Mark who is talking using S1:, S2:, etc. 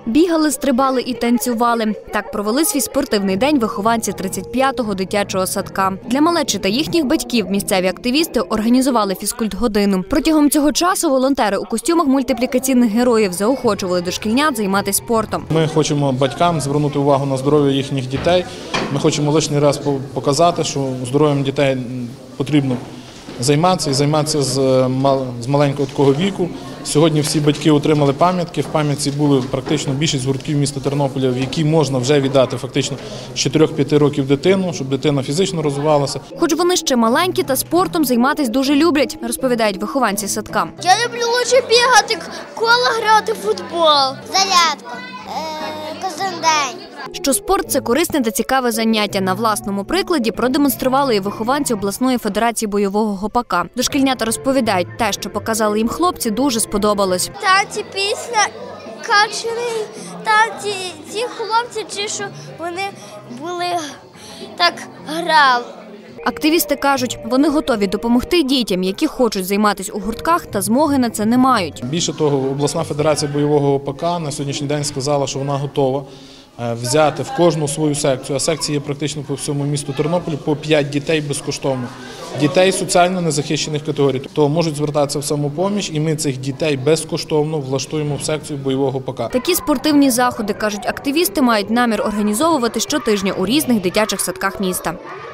S1: Бігали, стрибали і танцювали. Так провели свій спортивний день вихованці 35-го дитячого садка. Для малечі та їхніх батьків місцеві активісти організували фізкультгодину. Протягом цього часу волонтери у костюмах мультиплікаційних героїв заохочували дошкільнят займатися спортом.
S2: Ми хочемо батькам звернути увагу на здоров'я їхніх дітей. Ми хочемо лишній раз показати, що здоров'ям дітей потрібно займатися і займатися з маленького такого віку. Сьогодні всі батьки отримали пам'ятки. В пам'ятці були практично більшість гуртків міста Тернополя, в які можна вже віддати фактично з 4-5 років дитину, щоб дитина фізично розвивалася.
S1: Хоч вони ще маленькі, та спортом займатися дуже люблять, розповідають вихованці садка.
S3: Я люблю лише бігати, кола грати в футбол. Зарядку кожен день.
S1: Що спорт – це корисне та цікаве заняття. На власному прикладі продемонстрували і вихованці обласної федерації бойового гопака. Дошкільнята розповідають, те, що показали їм хлопці, дуже сподобалось.
S3: Танці, пісня, качери, танці, ці хлопці, чи що вони були так грали.
S1: Активісти кажуть, вони готові допомогти дітям, які хочуть займатися у гуртках, та змоги на це не мають.
S2: Більше того, обласна федерація бойового гопака на сьогоднішній день сказала, що вона готова взяти в кожну свою секцію, а секції є практично по всьому місту Тернополі, по 5 дітей безкоштовно. Дітей соціально незахищених категорій. То можуть звертатися в самопоміч, і ми цих дітей безкоштовно влаштуємо в секцію бойового гопака.
S1: Такі спортивні заходи, кажуть активісти, мають намір організовувати щотижня у різних дитячих садках міста.